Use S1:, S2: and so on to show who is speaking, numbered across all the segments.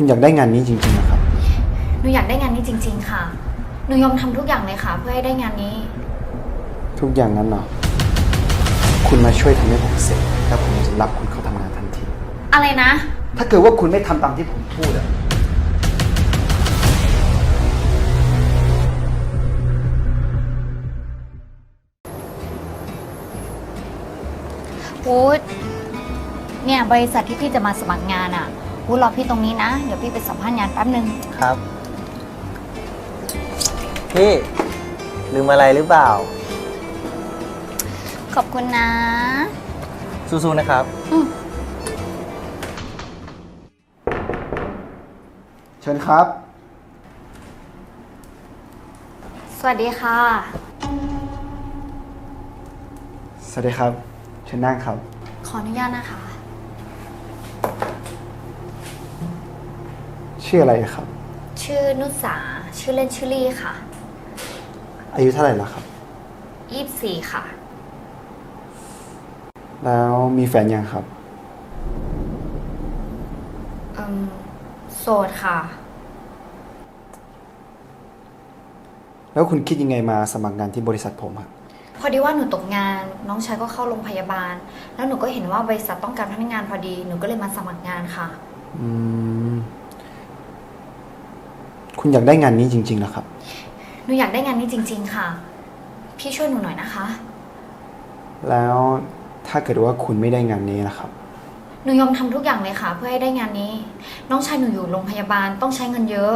S1: คุณอยากได้งานนี้จริงๆนะครับ
S2: หนูอยากได้งานนี้จริงๆค่ะหนูยอมทำทุกอย่างเลยค่ะเพื่อให้ได้งานนี้
S1: ทุกอย่างนั้นเหรอคุณมาช่วยทำให้ผมเสร็จแล้วผมจะรับคุณเข้าทำงานทันที
S2: อะไรนะ
S1: ถ้าเกิดว่าคุณไม่ทำตามที่ผมพูดอะ
S2: วูดเนี่ยบริษัทที่พี่จะมาสมัครงานอ่ะวูดรอพี่ตรงนี้นะเดี๋ยวพี่ไปสัมภาษณ์งานแป๊บนึง
S3: ครับพี่ลืมอะไรหรือเปล่า
S2: ขอบคุณนะ
S3: สู้ๆนะครับ
S1: เชิญครับ
S2: สวัสดีค่ะ
S1: สวัสดีครับเชิญนั่งครับ
S2: ขออนุญาตนะคะ
S1: ชื่ออะไรครับ
S2: ชื่อนุสาชื่อเล่นชื่อลี่ค่ะ
S1: อายุเท่าไหร่แล้วครับ
S2: 24ค่ะ
S1: แล้วมีแฟนยังครับ
S2: โสดค่ะ
S1: แล้วคุณคิดยังไงมาสมัครงานที่บริษัทผมครับ
S2: พอดีว่าหนูตกงานน้องชายก็เข้าโรงพยาบาล แล้วหนูก็เห็นว่าบริษัทต้องการพนักงานพอดีหนูก็เลยมาสมัครงานค่ะ
S1: คุณอยากได้งานนี้จริงๆนะครับ
S2: หนูอยากได้งานนี้จริงๆค่ะ พี่ช่วยหนูหน่อยนะคะ
S1: แล้วถ้าเกิดว่าคุณไม่ได้งานนี้นะครับ
S2: หนูยอมทำทุกอย่างเลยค่ะ เพื่อให้ได้งานนี้ น้องชายหนูอยู่โรงพยาบาลต้องใช้เงินเยอะ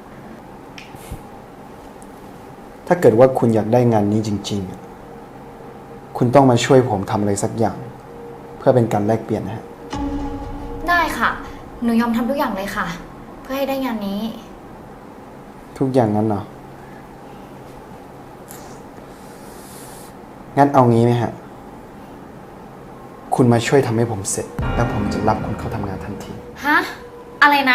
S1: ถ้าเกิดว่าคุณอยากได้งานนี้จริงๆ คุณต้องมาช่วยผมทำอะไรสักอย่าง เพื่อเป็นการแลกเปลี่ยนนะฮะ
S2: ได้ค่ะ หนูยอมทำทุกอย่างเลยค่ะ เพื่อให้ได้งานนี้
S1: ทุกอย่างนั้นเหรอ งั้นเอางี้ไหมฮะ คุณมาช่วยทำให้ผมเสร็จ แล้วผมจะรับคุณเข้าทำงานทันที
S2: ฮะ อะไรนะ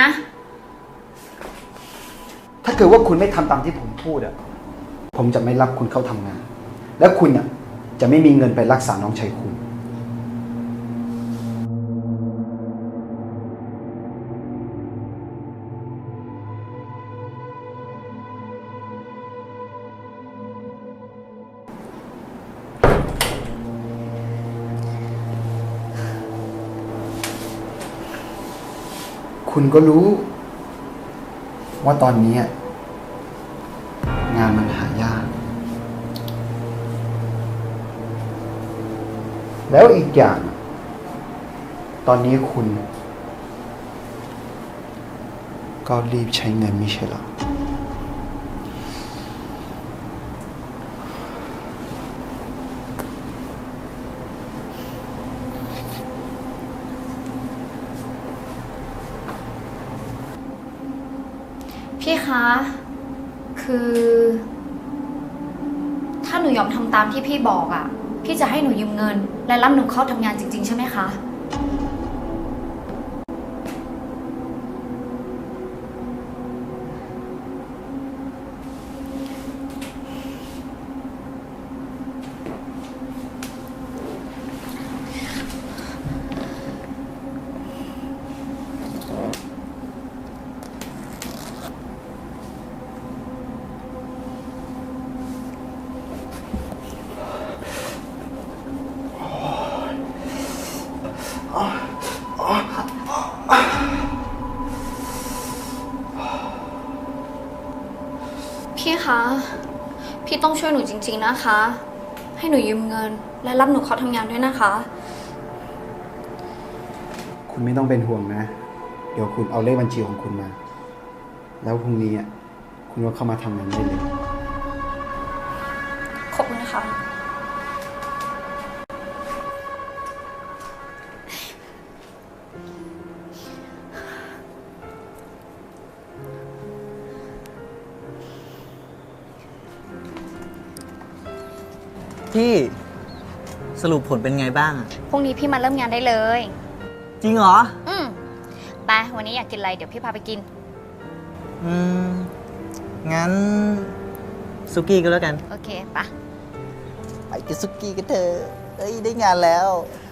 S1: ถ้าเกิดว่าคุณไม่ทำตามที่ผมพูดอะผมจะไม่รับคุณเข้าทำงาน และคุณอะจะไม่มีเงินไปรักษาน้องชายคุณ คุณก็รู้ ว่าตอนนี้งานมันหายาก แล้วอีกอย่าง ตอนนี้คุณ ก็รีบใช้เงินไม่ใช่หรอ
S2: พี่คะ คือ ถ้าหนูยอมทำตามที่พี่บอกอ่ะ พี่จะให้หนูยืมเงิน และรับหนูเข้าทำงานจริงๆใช่ไหมคะ พี่คะ พี่ต้องช่วยหนูจริงๆนะคะ ให้หนูยืมเงิน และรับหนูเข้าทำงานด้วยนะคะ
S1: คุณไม่ต้องเป็นห่วงนะ เดี๋ยวคุณเอาเลขบัญชีของคุณมา แล้วพรุ่งนี้คุณก็เข้ามาทำงานได้เลย
S2: ขอบคุณนะคะ
S3: พี่สรุปผลเป็นไงบ้างอะ
S2: พรุ่งนี้พี่มาเริ่มงานได้เลย
S3: จริงเหรอ
S2: ไปวันนี้อยากกินอะไรเดี๋ยวพี่พาไปกิน
S3: งั้นซุกี้ก็แล้วกัน
S2: โอเคปะ
S3: ไปกินซุกี้กันเถอะเอ้ยได้งานแล้ว